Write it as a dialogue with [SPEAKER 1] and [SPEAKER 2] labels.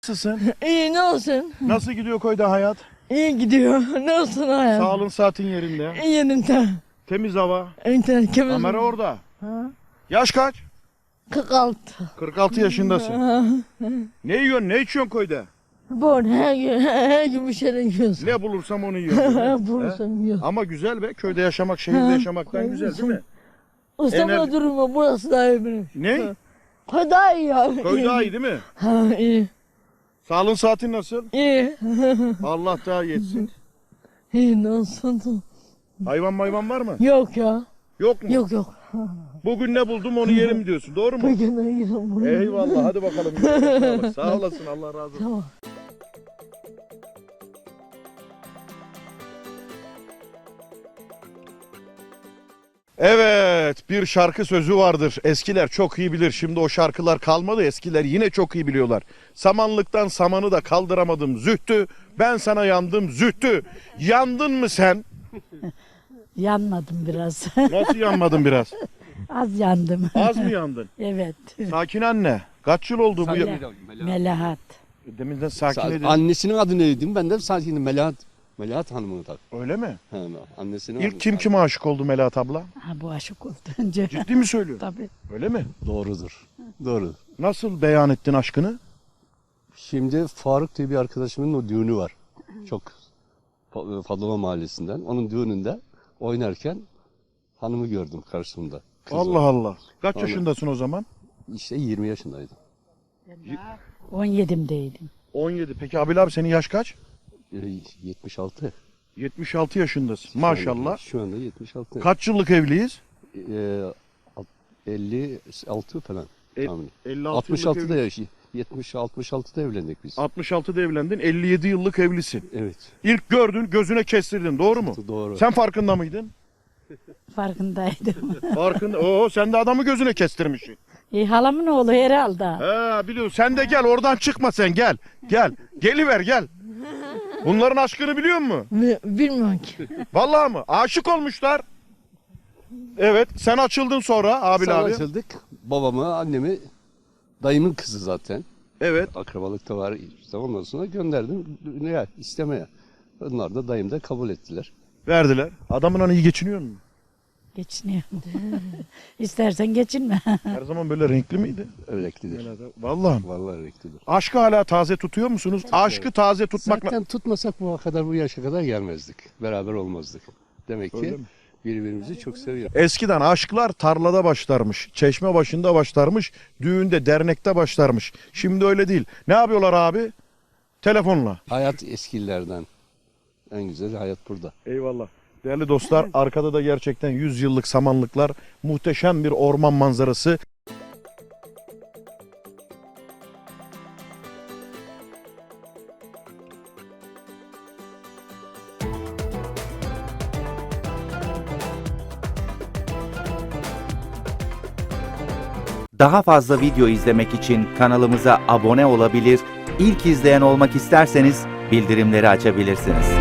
[SPEAKER 1] Nasılsın?
[SPEAKER 2] İyi ne olsun?
[SPEAKER 1] Nasıl gidiyor köyde hayat?
[SPEAKER 2] İyi gidiyor. Ne olsun hayat?
[SPEAKER 1] Sağlığın saatin yerinde.
[SPEAKER 2] İyi yerinde.
[SPEAKER 1] Temiz hava.
[SPEAKER 2] İnternet kemiz.
[SPEAKER 1] Kamera orada.
[SPEAKER 2] Ha?
[SPEAKER 1] Yaş kaç?
[SPEAKER 2] 46.
[SPEAKER 1] 46 yaşındasın. Ne yiyorsun, ne içiyorsun köyde?
[SPEAKER 2] Bu her gün bir şeyler yiyorsun.
[SPEAKER 1] Ne bulursam onu yiyorum.
[SPEAKER 2] Bulursan yiyorsun.
[SPEAKER 1] Ama güzel be, köyde yaşamak, şehirde yaşamaktan güzel değil mi?
[SPEAKER 2] İstanbul'da durumu burası daha iyi benim.
[SPEAKER 1] Ne?
[SPEAKER 2] Köy daha iyi ya.
[SPEAKER 1] Köy daha iyi değil mi?
[SPEAKER 2] Ha iyi.
[SPEAKER 1] Sağlığın saatin nasıl?
[SPEAKER 2] İyi.
[SPEAKER 1] Allah daha yetsin.
[SPEAKER 2] İyi ne olsun?
[SPEAKER 1] Hayvan var mı?
[SPEAKER 2] Yok ya.
[SPEAKER 1] Yok mu?
[SPEAKER 2] Yok yok.
[SPEAKER 1] Bugün ne buldum onu yerim diyorsun, doğru mu?
[SPEAKER 2] Bugün de yiyorum bunu.
[SPEAKER 1] Eyvallah, hadi bakalım. Sağ olasın, Allah razı olsun.
[SPEAKER 2] Tamam.
[SPEAKER 1] Evet, bir şarkı sözü vardır. Eskiler çok iyi bilir. Şimdi o şarkılar kalmadı. Eskiler yine çok iyi biliyorlar. Samanlıktan samanı da kaldıramadım zühtü. Ben sana yandım zühtü. Yandın mı sen?
[SPEAKER 3] Yanmadım biraz.
[SPEAKER 1] Nasıl yanmadın biraz?
[SPEAKER 3] Az yandım.
[SPEAKER 1] Az mı yandın?
[SPEAKER 3] Evet.
[SPEAKER 1] Sakin anne. Kaç yıl oldu bu?
[SPEAKER 3] Melahat.
[SPEAKER 1] Deminden sakin edin.
[SPEAKER 4] Annesinin adı neydi? Ben de sadece Melahat Hanım'ın tabii.
[SPEAKER 1] Öyle mi?
[SPEAKER 4] Annesinin adı.
[SPEAKER 1] İlk kim kime aşık oldu Melahat abla?
[SPEAKER 3] Ha, bu aşık oldu önce.
[SPEAKER 1] Ciddi mi söylüyorsun?
[SPEAKER 3] Tabii.
[SPEAKER 1] Öyle mi?
[SPEAKER 4] Doğrudur. Doğrudur.
[SPEAKER 1] Nasıl beyan ettin aşkını?
[SPEAKER 4] Şimdi Faruk diye bir arkadaşımın o düğünü var. Çok Fadılma Mahallesi'nden. Onun düğününde oynarken hanımı gördüm karşımda. Kız
[SPEAKER 1] Allah
[SPEAKER 4] var.
[SPEAKER 1] Allah. Kaç
[SPEAKER 4] Vallahi.
[SPEAKER 1] yaşındasın o zaman?
[SPEAKER 4] İşte 20 yaşındaydım.
[SPEAKER 3] 17'imdeydim.
[SPEAKER 1] 17. Peki Abil abi senin yaş kaç?
[SPEAKER 4] 76.
[SPEAKER 1] 76 yaşındasın. Maşallah.
[SPEAKER 4] Şu anda 76.
[SPEAKER 1] Kaç yıllık evliyiz?
[SPEAKER 4] 56 falan.
[SPEAKER 1] E-
[SPEAKER 4] tahminim.
[SPEAKER 1] 56 yıllık
[SPEAKER 4] 66'da
[SPEAKER 1] evli-
[SPEAKER 4] yaş. 66'da evlendik biz.
[SPEAKER 1] 66'da evlendin, 57 yıllık evlisin.
[SPEAKER 4] Evet.
[SPEAKER 1] İlk gördün, gözüne kestirdin, doğru mu?
[SPEAKER 4] Doğru.
[SPEAKER 1] Sen farkında mıydın?
[SPEAKER 3] Farkındaydım.
[SPEAKER 1] Farkında. Oo, sen de adamı gözüne kestirmişsin.
[SPEAKER 3] Halamın oğlu herhalde.
[SPEAKER 1] He, biliyorum. Sen de gel, oradan çıkma sen, gel. Gel. Geliver, gel. Bunların aşkını biliyor musun?
[SPEAKER 2] Bilmiyorum ki.
[SPEAKER 1] Vallahi mı? Aşık olmuşlar. Evet, sen açıldın sonra Abil
[SPEAKER 4] Sonra
[SPEAKER 1] abi.
[SPEAKER 4] açıldık. Babamı, annemi, dayımın kızı zaten.
[SPEAKER 1] Evet.
[SPEAKER 4] Akrabalıkta var. İşte ondan sonra gönderdim düğüne, istemeye. Onlar da dayım da kabul ettiler.
[SPEAKER 1] Verdiler. Adamın hani iyi geçiniyor mu?
[SPEAKER 3] Geçiniyorum. İstersen geçinme.
[SPEAKER 1] Her zaman böyle renkli miydi?
[SPEAKER 4] Öyleliklidir.
[SPEAKER 1] Vallahi mi?
[SPEAKER 4] Vallahi öyleliklidir.
[SPEAKER 1] Aşkı hala taze tutuyor musunuz? Aşkı taze tutmak...
[SPEAKER 4] Zaten tutmasak bu yaşa kadar gelmezdik. Beraber olmazdık. Demek
[SPEAKER 1] Öyle
[SPEAKER 4] ki
[SPEAKER 1] mi?
[SPEAKER 4] birbirimizi çok seviyoruz.
[SPEAKER 1] Eskiden aşklar tarlada başlarmış, çeşme başında başlarmış, düğünde, dernekte başlarmış. Şimdi öyle değil. Ne yapıyorlar abi? Telefonla.
[SPEAKER 4] Hayat eskilerden. En güzel hayat burada.
[SPEAKER 1] Eyvallah. Değerli dostlar, arkada da gerçekten 100 yıllık samanlıklar, muhteşem bir orman manzarası.
[SPEAKER 5] Daha fazla video izlemek için kanalımıza abone olabilir, ilk izleyen olmak isterseniz bildirimleri açabilirsiniz.